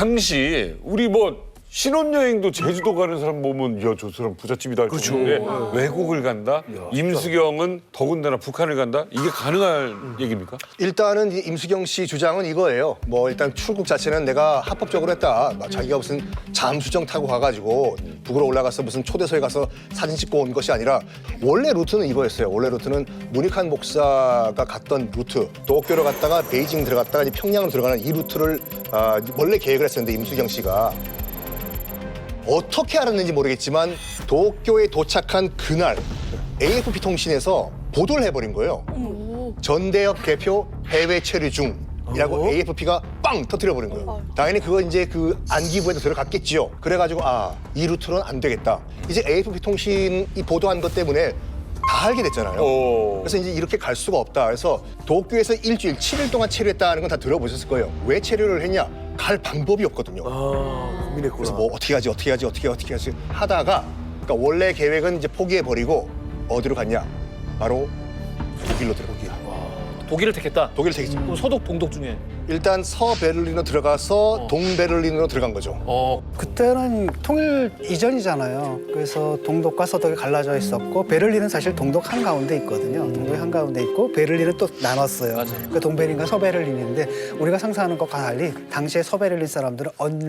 당시 우리 뭐 신혼여행도 제주도 가는 사람 보면 야, 저 사람 부잣집이다. 그렇죠. 외국을 간다? 임수경은 더군다나 북한을 간다? 이게 가능할 얘기입니까? 일단은 이 임수경 씨 주장은 이거예요. 뭐 일단 출국 자체는 내가 합법적으로 했다. 막 자기가 무슨 잠수정 타고 가가지고 북으로 올라가서 무슨 초대소에 가서 사진 찍고 온 것이 아니라 원래 루트는 이거였어요. 원래 루트는 문익환 목사가 갔던 루트. 도쿄로 갔다가 베이징 들어갔다가 이제 평양으로 들어가는 이 루트를 원래 계획을 했었는데 임수경 씨가 어떻게 알았는지 모르겠지만 도쿄에 도착한 그날 AFP 통신에서 보도를 해버린 거예요. 전대협 대표 해외 체류 중이라고 AFP가 빵 터뜨려버린 거예요. 당연히 그거 이제 그 안기부에도 들어갔겠지요. 그래가지고 이 루트는 안 되겠다. 이제 AFP 통신이 보도한 것 때문에 다 알게 됐잖아요. 그래서 이제 이렇게 갈 수가 없다. 그래서 도쿄에서 일주일, 7일 동안 체류했다는 건 다 들어보셨을 거예요. 왜 체류를 했냐? 갈 방법이 없거든요. 고민했구나. 그래서 뭐 어떻게 하지 하다가 그러니까 원래 계획은 이제 포기해버리고 어디로 갔냐? 바로 독일로 들어가기야. 독일을 택했다. 독일을 택했죠. 그럼 서독, 동독 중에. 일단 서베를린으로 들어가서 동베를린으로 들어간 거죠. 그때는 통일 이전이잖아요. 그래서 동독과 서독이 갈라져 있었고 베를린은 사실 동독 한가운데 있거든요. 동독 한가운데 있고 베를린은 또 나눴어요. 맞아요. 그 동베를린과 서베를린인데 우리가 상상하는 것과 달리 당시에 서베를린 사람들은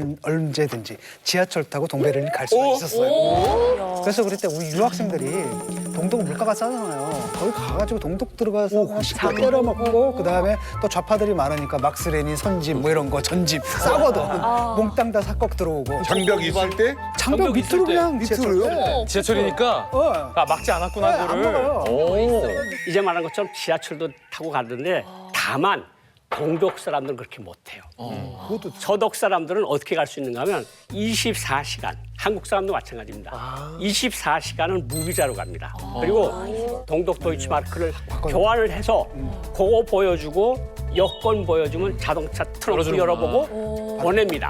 언제든지 지하철 타고 동베를린 갈 수가 있었어요. 그래서 그럴 때 우리 유학생들이 동독 물가가 싸잖아요. 거기 가가지고 동독 들어가서 식구 때려 먹고 그다음에 또 좌파들이 많으니까 막스레니 선집 뭐 이런 거 전집 싸거든. 몽땅 다 삭걱 들어오고. 장벽 있을 때? 장벽 밑으로 그냥 밑으로요? 지하철이니까 막지 않았구나, 안 그거를. 먹어요. 이제 말한 것처럼 지하철도 타고 가는데 다만 동독 사람들은 그렇게 못해요. 서독 사람들은 어떻게 갈 수 있는가 하면 24시간, 한국 사람도 마찬가지입니다. 24시간은 무비자로 갑니다. 그리고 동독 도이치마르크를 교환을 해서 그거 보여주고 여권 보여주면 자동차 트렁크 열어보고 보냅니다.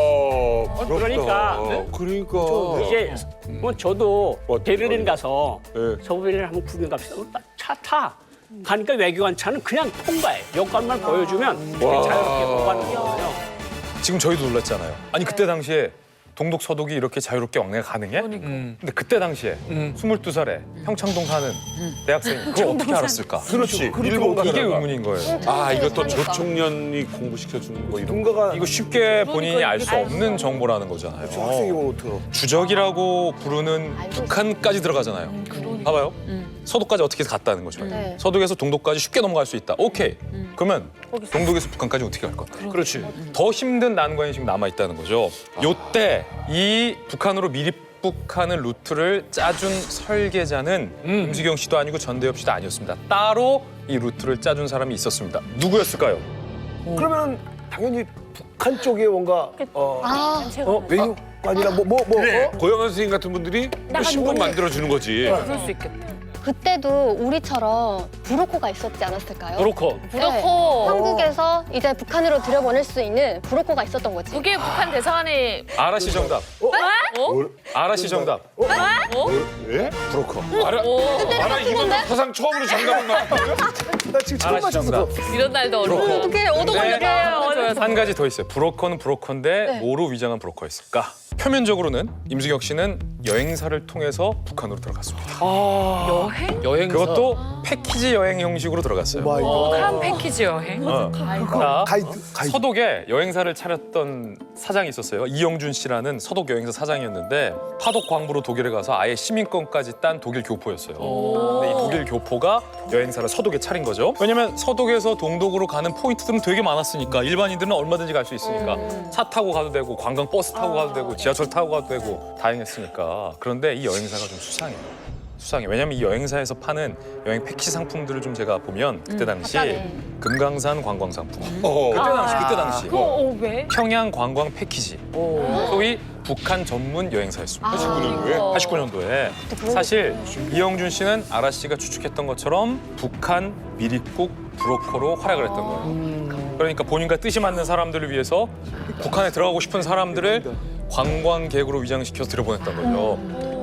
와, 그러니까 그러니까. 이제 뭐 저도 베를린 가서 네. 서베를린 한번 구경 갑시다. 차 타. 가니까 외교관 차는 그냥 통과해. 여권만 보여주면 자유롭게 통과하는 거예요. 지금 저희도 놀랐잖아요. 아니 그때 당시에 동독 서독이 이렇게 자유롭게 왕래가 가능해? 근데 그때 당시에 22살에 평창동 사는 대학생이 그걸 어떻게 알았을까? 그렇지. 일본 이게 가다가. 의문인 거예요. 이것도 조총련이 공부시켜주는 거 이런 거. 누군가가 이거 쉽게 본인이 알 수 없는 정보라는 거잖아요. 학생이 뭐 어떡해. 주적이라고 부르는 북한까지 들어가잖아요. 봐봐요. 서독까지 어떻게 갔다는 거죠. 네. 서독에서 동독까지 쉽게 넘어갈 수 있다. 오케이. 그러면 동독에서 북한까지 어떻게 갈 거야? 그렇지. 더 힘든 난관이 지금 남아 있다는 거죠. 요때 이 북한으로 미립북하는 루트를 짜준 설계자는 임수경 씨도 아니고 전대협 씨도 아니었습니다. 따로 이 루트를 짜준 사람이 있었습니다. 누구였을까요? 그러면 당연히 북한 쪽에 뭔가 외교관이나 고영한 선생님 같은 분들이 신분 만들어주는 거지. 그럴 수 있겠다. 그때도 우리처럼 브로커가 있었지 않았을까요? 브로커. 네. 한국에서 이제 북한으로 들여보낼 수 있는 브로커가 있었던 거지. 그게 북한 대사관에 아라 씨 정답. 아라 씨 정답. 왜? 브로커. 알아, 이건 사상 처음으로 정답을 나왔거든? 나 지금 처음 아라 씨 맞췄어. 정답. 이런 날도 어려워. 어떻게 얻어 걸렸다. 한 가지 더 있어요. 브로커는 브로커인데 뭐로 위장한 브로커였을까? 표면적으로는 임수경 씨는 여행사를 통해서 북한으로 들어갔습니다. 여행사. 그것도 패키지 여행 형식으로 들어갔어요. 북한 패키지 여행. 자, 가이드. 서독에 여행사를 차렸던 사장이 있었어요. 이영준 씨라는 서독 여행사 사장이었는데 파독 광부로 독일에 가서 아예 시민권까지 딴 독일 교포였어요. 근데 이 독일 교포가 여행사를 서독에 차린 거죠. 왜냐면 서독에서 동독으로 가는 포인트들은 되게 많았으니까 일반인들은 얼마든지 갈 수 있으니까 차 타고 가도 되고 관광 버스 타고 가도 되고 지하철 타고 가도 되고 다행했으니까. 그런데 이 여행사가 좀 수상해요. 왜냐면 이 여행사에서 파는 여행 패키지 상품들을 좀 제가 보면 그때 당시 금강산 관광 상품, 그때 당시 왜? 평양 관광 패키지, 소위 북한 전문 여행사였습니다. 89년도에 사실 이영준 씨는 아라 씨가 추측했던 것처럼 북한 미립국 브로커로 활약을 했던 거예요. 그러니까 본인과 뜻이 맞는 사람들을 위해서 북한에 들어가고 싶은 사람들을 관광객으로 위장시켜서 들여보냈던 거죠.